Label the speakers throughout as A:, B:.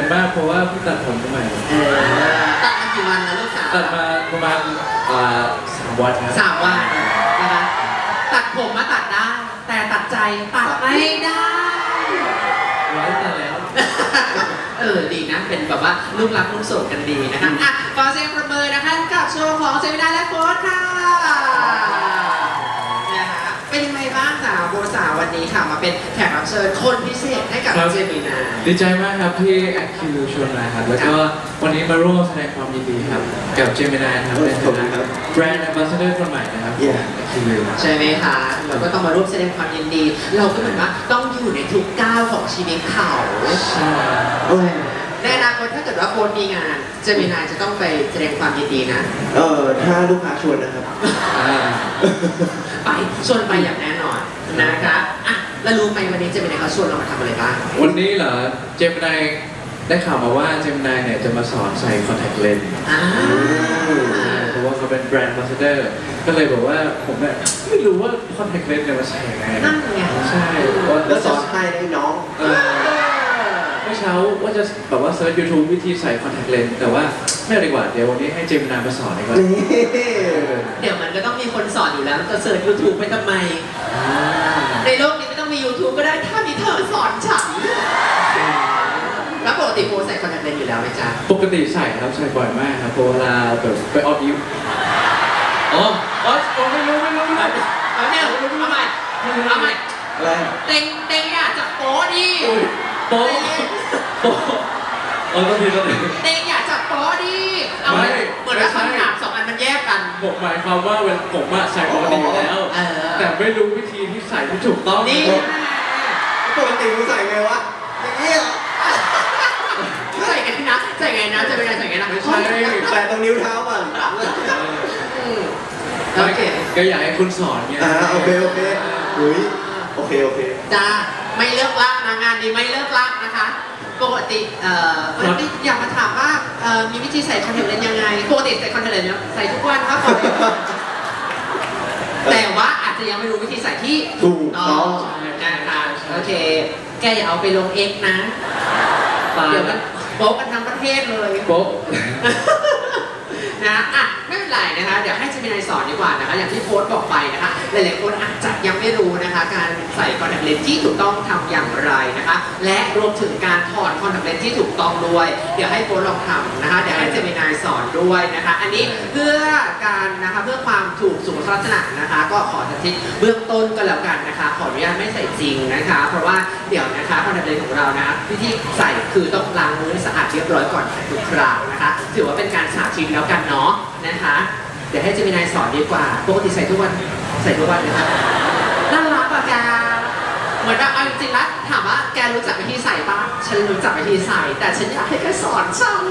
A: อนมากเพราะว่าเพิ่งตัดผมใหม่
B: ตัดมากี่วันแล้วลูกสาว
A: ตัดมาประมาณ3 วันครับ
B: 3 วันนะคะตัดผมมาตัดได้แต่ตัดใจตัดไม่ได้
A: ไว้ตัดแล้ว
B: ดีนะเป็นแบบว่าลูกรักลูกโสดกันดีนะคะอ่ะขอเสียงประเมินนะคะกับโชว์ของเจมินาและโค้ชค่ะนะคะเป็นยังไงบ้างสาวโบสาววันนี้ค่ะมาเป็นแขกรับเชิญคนพิเศษให้กับเจมินา
A: ดีใจมากครับที่แอคคิวชวนมาครับแล้วก็วันนี้มาร่วมแสดงความยินดีครับกับเจมินาครับเป็นแบรนด์แอมบาสเดอร์คนใหม่นะครับ
B: ใช่ไหมคะเราก็ต้องมาร่วมแสดงความยินดีเราก็เหมือนว่าต้องอยู่ในทุกก้าวของชีวิตเขา
A: ใช่
B: ในอนาคตถ้าเกิดว่าโค้ชมีงานเจมินาจะต้องไปแสดงความยินดีนะ
C: ถ้าลูกค้าชวนนะครับ
B: ไปชวนไปอย่างแน่นอนนะคะอ่ะแล้วรู้ไหมวันนี้เจมินาเขาชวนเรามาทำอะไรบ้าง
A: วันนี้เหรอเจมินาได้ข่าวมาว่าเจมินาเนี่ยจะมาสอนใส่คอนแทคเลนส์เพราะว่าเขาเป็นแบรนด์แอมบาสเดอร์ก็เลยบอกว่าผมเนี่ยไม่รู้ว่าคอนแทคเลนส์เนี่ยมาใส่ยังไง
B: นั่นไง
A: ใช่
C: แล้วสอนให้ได้น้อง
A: เมื่อเช้าว่าจะแบบว่าเซิร์ช YouTube วิธีใส่คอนแทคเลนส์แต่ว่าไม่ดีกว่าเดี๋ยววันนี้ให้เจมินามาสอนดีกว่า
B: เดี๋ยวมันก็ต้องมีคนสอนอยู่แล้วจะเซิร์ช YouTube ไปทำไมในโลกนี้ไม่ต้องมี YouTube ก็ได้ถ้ามีเธอสอนฉันแล้วปกติโบใส่คอนแทคเลนส์อยู่แล้วไหมจ๊ะ
A: ปกติใส่ครับใส่บ่อยมากครับเวลาแบบไปออฟยิวไม่รู้
B: เอาใหม่
C: อะไร
B: เต็งอยากจับโป๊ดิ
A: โป๊ต้องที
B: เต็งอยากจับโป๊ดิเอาเหมือนว่าคำถาม2 อันมันแยกกัน
A: ผมหมายความว่าผมใส่ปกติอยู่แล้วแต่ไม่รู้วิธีที่ใส่ที่ถูกต้อง
B: นี่
C: ปกติมึงใส่ไงวะอย่างนี้
B: ใส่ไงนะจะเป็นไงใส่ไงนะ
A: ไม่ใช่
C: แต่ตรงนิ้วเท้าก่อน
A: โอเคก็อยากให้คุณสอนไง
C: โอเคอุ้ยโอเค
B: จ้าไม่เลิกลักนะงานนี้ไม่เลิกลักนะคะปกติอยากมาถามว่ามีวิธีใส่คอนแทคเลนส์ยังไงปกติใส่คอนแทคเลนส์ใส่ทุกวันครับแต่ว่าอาจจะยังไม่รู้วิธีใส่ที่
C: ถูกต้อง
B: นะคะโอเคแกอย่าเอาไปลง X นะเดี๋ยวมันโป๊ะกันทั้งประเทศเลย
A: โป๊ะ
B: นะไม่เป็นไรนะคะเดี๋ยวให้เจมินายสอนดีกว่านะคะอย่างที่โค้ชบอกไปนะคะหลายๆคนอาจจะยังไม่รู้นะคะการใส่คอนแทคเลนส์ที่ถูกต้องทำอย่างไรนะคะและรวมถึงการถอดคอนแทคเลนส์ที่ถูกต้องด้วยเดี๋ยวให้โค้ชลองทำนะคะเดี๋ยวให้เจมินายสอนด้วยนะคะอันนี้เพื่อการนะคะเพื่อความถูกสุขลักษณะนะคะก็ขอสาธิตเบื้องต้นก็แล้วกันนะคะขออนุญาตไม่ใส่จริงนะคะเพราะว่าเดี๋ยวนะคะคอนแทคเลนส์ของเรานะวิธีใส่คือต้องล้างมือให้สะอาดเรียบร้อยก่อนใส่ทุกครั้งนะคะถือว่าเป็นการสาธิตแล้วกันเนาะนะคะเดี๋ยวให้เจมินายสอนดีกว่าปกติใส่ทุกวันนะครับน่ารักป่ะแกเหมือนแบบเอาจริงๆแล้วถามว่าแกรู้จักวิธีใส่ป่ะฉันรู้จักวิธีใส่แต่ฉันอยากให้แกสอนฉัน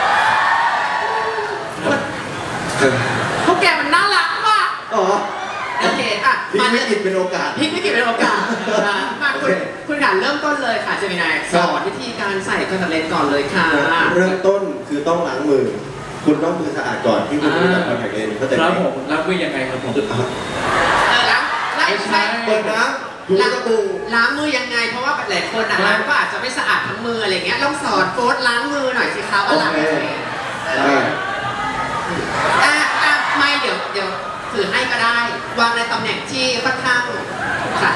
B: พวกแกมันน่ารักป่ะโอเค
C: พลิกวิกฤตเป็นโอกาส
B: มาคุณค่ะเริ่มต้นเลยค่ะเจมินายสอนวิธีการใส่คอนแทคเลนส์ก่อนเลยค่ะ
C: เริ่มต้นคือต้องล้างมือคุณต้องมือสะอาดก่อนที่คุณจะจับคอนแทคเลนส์เข้าใจไหม
A: แล้วผมล้างมือยังไงครับผม
B: ล้าง
C: เปิดน้ำถูสบู่
B: ล้างมือยังไงเพราะว่าหลายคนล้างก็อาจจะไม่สะอาดทั้งมืออะไรเงี้ยลองสอนโค้ชล้างมือหน่อยสิคะว่าล้างยังไงไม่เดี๋ยวถือให้ก็ได้วางในตำแหน่งที่ค่อนข้างค่ะ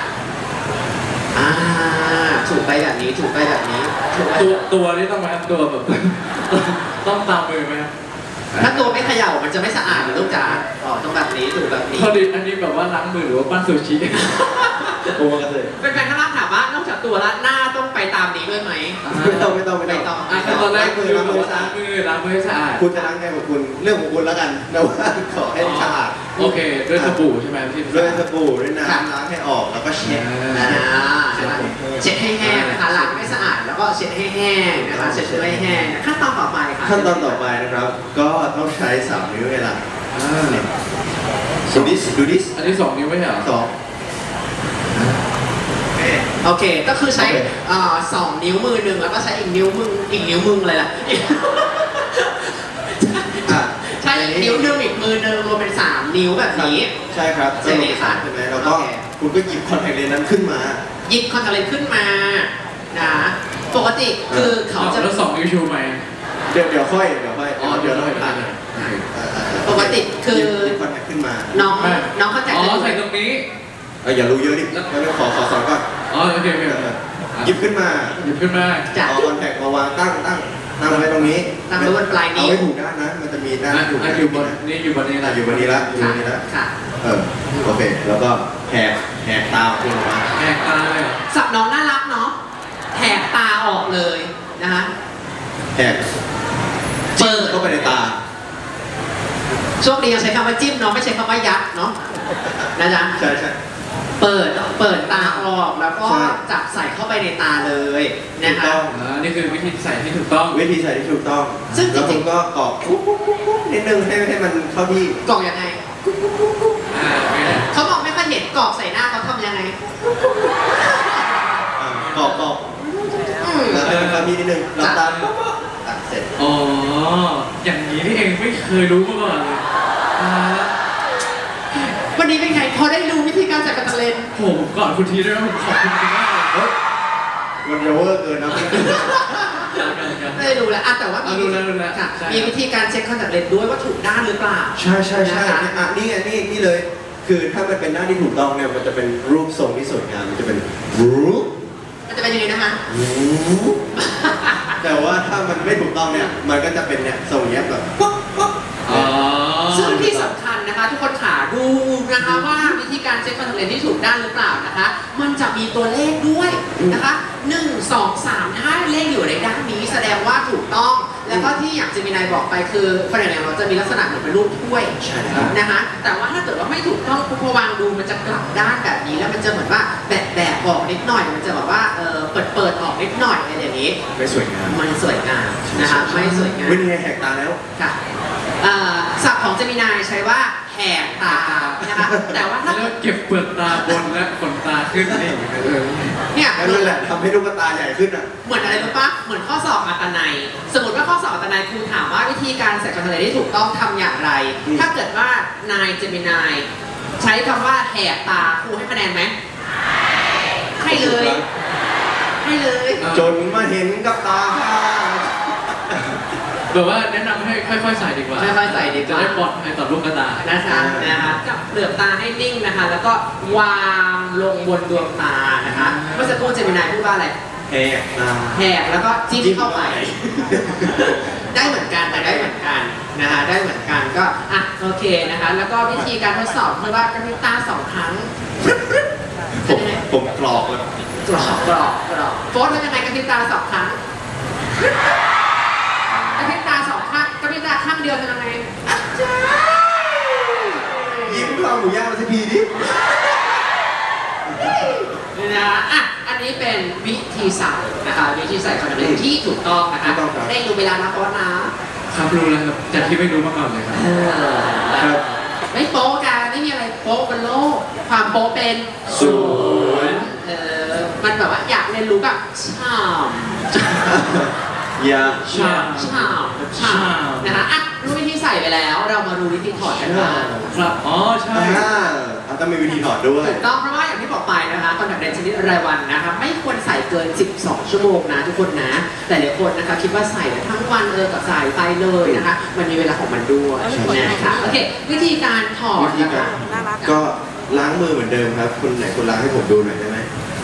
B: ถูกไปแบบนี้
A: ตัวนี่ต้องมาตัวแบบต้องตามมือไหม
B: ถ้าตัวไม่เขย่ามันจะไม่สะอาดหรือลูกจ๋าต้องแบบนี้ถูกแบบนี้
A: พอดีอันนี้แบบว่าล้างมือหรือว่าปั้นซูชิ
C: ตัวกันเลย
B: เป็นแฟนข้างล่างถามว่านอกจากตัวแล้วหน้าต้องไปตามนี้ด้วยไหม
C: ไม่ต้อง
A: ตอนแรกคือล้างมือให้สะอาด
C: คุณจะล้างไงของคุณเรื่องของคุณแล้วกันแต่ว่าขอให้สะอาด
A: โอเคด้วยสบู่ใช่ไหมพี่
C: ด้วยสบู่ด้วยน้ำล้างให้ออกแล้วก็เช็ด
B: เช็ดให้แห้งนะคะล้างให้สะอาดแล้วก็เช็ดให้แห้งนะคะเช็ดให้แห้งขั้นตอนต่อไปค่ะ
C: ขั้นตอนต่อไปนะครับก็ต้องใช้3 นิ้วเวลาดูดิส
A: อันนี้2 นิ้วไม่ใช่เหรอ
B: โอเคก็คือใช้2 นิ้วมือหนึ่งแล้วก็ใช้อีกนิ้วมึงเลยล่ะใช้อีกนิ้วหนึ่งอีกมือหนึ่งรวมเป็น3 นิ้วแบบนี้
C: ใช่ครับ
B: ใช่ไหมคะ
C: ใช่ไหมแล้วก็คุณก็หยิบคอนแทคเลนส์นั้นขึ้นมา
B: หยิบคอนแทคเลนส์ขึ้นมานะปกติคือเขาจะ
A: แล้ว2 นิ้วชูไหม
C: เดี๋ยวค่อย
A: อ๋อ
C: เดี๋ยว
A: เดี๋ยว
C: เรา
A: ค่อย
C: ผ่าน
B: ปกติคือ
C: หยิบคอนแทคขึ้นมา
B: น้องเข้าใจ
A: อ๋อใส่ตรงนี้
C: อย่ารู้เยอะดิไม่ขอสอนก่อน
A: อ๋อโอเคโอเค
C: หยิบขึ้นมา
A: หยิบขึ้นมา
B: จะ
C: เอาคอนแทคมาวางตั้งไว้ตรงนี้
B: ตั้งไว้บนปลายนิ้ว
C: เอาไว้ถูกด้านนะมันจะมีด้าน
A: อ่ะ
C: ถูก
A: อ่ะอยู่บนนี่อยู่บนนี้แหละ
C: อยู่บนนี้ละอยู่บนนี้ละ
B: ค่ะ
C: โอเคแล้วก็แหกตาขึ้นมา
A: แหกตาเลยเหรอ
B: สับน้องน่ารักเนาะแหกตาออกเลยนะคะ
C: แหก
B: เปิด
C: เข้าไปในตา
B: โชคดียังใช้คำว่าจิ้มเนาะไม่ใช้คำว่ายัดเนาะนะจ๊ะ
C: ใช่
B: เปิดตาออกแล้วก็จับใส่เข้าไปในตาเลยนะคะ
A: นี่คือวิธีใส่ที่ถูกต้อง
C: วิธีใส่ที่ถูกต้อง
B: ซึ่งจริงๆ
C: แล้วคุณก็กรอกปุ๊บนิดนึงให้มันเข้าที่
B: กรอกยังไง
A: ไม่ได้
B: เขาบอกไม่ค่อยเห็นกรอกใส่หน้าเขาทำยังไง
C: กรอกแล้วให้มันเข้าที่นิดนึงหลับตาปุ๊บเสร็จ
A: อ๋ออย่างนี้นี่เองไม่เคยรู้มาก่อนเลยอ่า
B: วันนี้เป็นไงพอได้รู้วิธีการจัดการเลน
A: ผมก่อนคุณทีด้วยนะผมขอบคุณคุณมากเลย
C: เฮ้ยมันจะเวอร์เกินนะ
B: ไม่ได้รู้แล้วอ่ะแต่ว่ามี
A: รู้แล้ว
B: ค่ะ
A: ใช่
B: มีวิธีการเช็คคอนแทคเลนส์ด้วยว่าถูกด้านหรือเปล่า
C: ใช่นี่ไงนี่เลย คือถ้ามันเป็นหน้าที่ถูกต้องเนี่ยมันจะเป็นรูปทรงที่สวยงามมันจะเป็นรูป
B: มันจะเป็นยังไงนะคะ
C: แต่ว่าถ้ามันไม่ถูกต้องเนี่ยมันก็จะเป็นเนี่ยทรงเนี้ยแบบป๊อกป๊อก
A: อ๋อ
B: ซึ่งที่สำคัญนะคะ ทุกคนขาดูนะคะว่าวิธีการเช็คคอนแทคเลนส์ที่ถูกด้านหรือเปล่านะคะ มันจะมีตัวเลขด้วยนะคะ1 2 3ถ้าเลขอยู่ในด้านนี้แสดงว่าถูกต้อง แล้วก็ที่อย่างเจมินายบอกไปคือคอนแทคเลนส์เราจะมีลักษณะเหมือนเป็นรูปถ้วย
C: ใช่ครับ
B: นะคะแต่ว่าถ้าเกิดว่าไม่ถูกต้องพอวางดูมันจะกลับด้านแบบนี้แล้วมันจะเหมือนว่าแบบออกนิดหน่อยมันจะแบบว่าเปิดออกนิดหน่อยอะไรอย่างนี้
C: ไม่สวยงาม
B: มันสวยงามนะคะไม่สวยงาม
C: วิธีแหกตาแล้ว
B: ค่ะศัพท์ของเจมินายใช้ว่าแหกตานะคะแต่ว่าถ้า
A: แล้วเก็บเปลือกตาบนและขนตาขึ้นนี่
B: เนี่ย
C: นั่นแหละทำให้ลูกตาใหญ่ขึ้นอ่ะ
B: เหมือนอะไรรู้ปะเหมือนข้อสอบอัตนัยสมมติว่าข้อสอบอัตนัยครูถามว่าวิธีการใส่คอนแทคเลนส์ที่ถูกต้องทำอย่างไร ถ้าเกิดว่านายเจมินายใช้คำว่าแหกตาครูให้คะแนนไหมให้เลยให้เลย
C: จนมาเห็นกับตา
A: แบบว่าแนะนำให้ค่อยๆใส่ดีกว่า
B: ค่อยๆใส่ดีก
A: จะ
B: ว่า
A: ได้ปลอดภัยต่อลูกตา
B: นะคะจับเปลือกตาให้นิ่งนะคะ แล้วก็วางลงบนดวงตานะคะ เมื่อสักครู่เจมินายพูดว่าอะไร
C: แหกตา
B: แหกแล้วก็จิ้มเข้าไป ได้เหมือนกันแต่ได้เหมือนกันนะคะได้เหมือนกันก็อ่ะโอเคนะคะ แล้วก็วิธีการทดสอบคือว่ากระพริบตา2 ครั้ง
C: ผมกรอกเลย
B: กรอบโฟร์ทำยังไงกระพริบตา2 ครั้งกระพริบตา2 ครั้งกระพริบตาข้างเดียวทำยังไง
C: ยิ้มข้าวหมูย่างมาสักทีดิ
B: นี่นะอ่ะอันนี้เป็นวิธีใส่นะคะวิธีใส่คอนแทคเลนส์ที่ถูกต้องนะคะได้รู้เวลานะเพราะว่านะครับ
A: รู้แล้วครับจากที่ไม่รู้มาก่อนเลยครับ
C: ครับ
B: ไม่โป๊ะกันไม่มีอะไรโป๊ะบนโลกความโป๊ะเป็น
C: ศูนย์
B: มันแบบว่าอยากเรียนรู้แบบชาม
C: อย่า
A: ชา
B: ชามนะคะอ่ะรู้วิธีใส่ไปแล้ว เรามารู้วิธีถอดกันบ้าง
A: ครับอ๋อใช่
C: ต้องมีวิธีถอดด้วย
B: ถูกต้องเพราะว่าอย่างที่บอกไปนะคะคอนแทคเลนส์ชนิดรายวันนะคะไม่ควรใส่เกิน 12 ชั่วโมงนะทุกคนนะแต่หลายคนนะคะคิดว่าใส่ทั้งวันก็ใส่ไปเลยนะคะมันมีเวลาของมันด้วยนะคะโอเควิธีการถอด
C: วิธี
B: นะ
C: กา
B: คะ
C: รก็ล้างมือเหมือนเดิมครับคุณไหนคุณล้างให้ผมดูหน่อยได้ไหม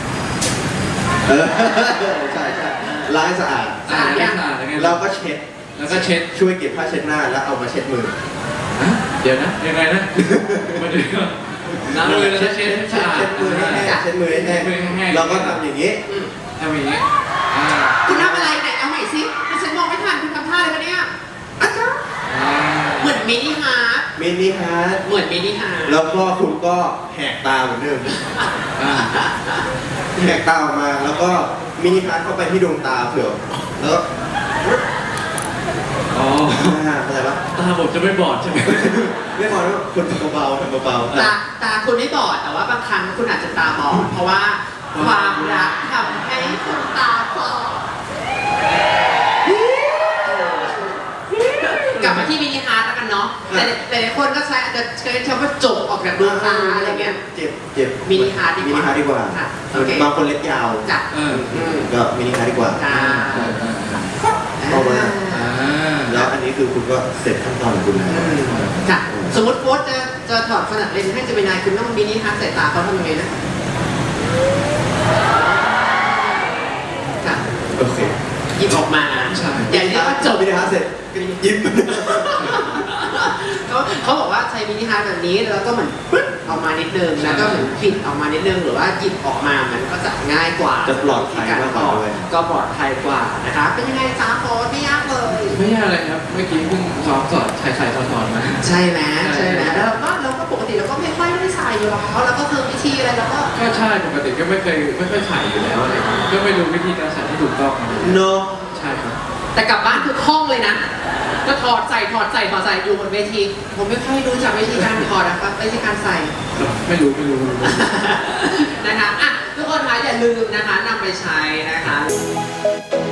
C: ใช่ล้างให้สะอาด
A: สะอาดยังไง
C: แล้วก็เช็ด
A: แล้วก็เช็ด
C: ช่วยเก็บผ้าเช็ดหน้าแล้วเอามาเช็ดมือ
A: เดี๋ยวนะยังไงนะมาดูก่อนล้างมือแล้วก็เช็ดให้สะอาด
C: เช็ดมือให้แห้งเช็ดมือให้แห้งแล้วก็ทำอย่างนี้
A: ทำอย่างนี้อ่า
B: คุณทำอะไรไหนเอาใหม่สิดิฉันมองไม่ทันคุณทำท่าอะไรคะเนี่ยอาจารย์เหมือนมินิฮาร์ด
C: มินิฮาร์ด
B: เหมือนมินิฮาร์ด
C: แล้วก็คุณก็แหกตาเหมือนเดิม
A: อ่า
C: แหกตาออกมาแล้วก็มินิฮาร์ดเข้าไปที่ดวงตาเผื่อแล้วก็
A: อ๋อ
C: เข้าใจปะ
A: ตาผมจะไม่บอดใช่ไหม
C: ไม่พอแล้วคุณทำเบาๆทำเบาๆ
B: ตาคุณไม่บอดแต่ว่าบางครั้งคุณอาจจะตาบอดเพราะว่าความรักทำให้คุณตาบอดกลับมาที่มินิฮาร์ดแล้วกันเนาะแต่หลายคนก็ใช้อาจจะใช้คำว่าจบออกจากดวงตาอะไรเงี้ย
C: เจ็บ
B: มินิฮาร์ทดีกว่า
C: มินิฮาร์ทดีกว่า
B: ค่ะโอเค
C: บางคนเล็บยาว
B: จ้ะ
C: ก็มินิฮาร์ทดีกว่า
B: จ้า
C: ต่อมา
A: อ่า
C: แล้วอันนี้คือคุณก็เสร็จขั้นตอนของคุณแล้ว
B: ค่ะสมมติโค้ชจะถอดคอนแทคเลนส์ให้เจมินายคุณต้องมินิฮาร์ทใส่ตาเขาทำยังไงนะค่ะ
C: โอเค
B: หยิบออกมา
A: ใช่
B: อย่าเรียกว่าจบ
C: มินิฮาร์ทเสร็จยิ้ม
B: เขาบอกว่าใช้มินิฮาร์ทแบบนี้แล้วก็เหมือนปึ๊ดออกมานิดนึงแล้วก็เหมือนปิดออกมานิดนึงหรือว่าหยิบออกมามันก็จะง่ายกว่า
C: จะปลอดภัยมากกว่าด้วย
B: ก็ปลอดภัยกว่านะคะเป็นยังไงจ้าโค้ชไม่ยากเลย
A: ไม่ยากเลยครับ เมื่อกี้เพิ่งซ้อมสอนใส่ถอดมา
B: ใช่ไหมใช่ไหมแล้วเราก็ปกติเราก็ไม่ค่อยได้ใส่อยู่แล้วเราก็คือวิธีอะไรเราก็
A: ก็ใช่ปกติก็ไม่ค่อยใส่อยู่แล้วอะไรเงี้ยก็ไม่รู้วิธีการใส่ที่ถูกต้อง
C: เนาะ
A: ใช่ครับ
B: แต่กลับบ้านคือคล่องเลยนะก็ถอดใส่อยู่บนเวทีผมไม่ค่อยรู้จักวิธีการถอดนะครับวิธีการใส่
A: ไม่รู้
B: นะคะอ่ะทุกคนคะอย่าลืมนะคะนำไปใช้นะคะ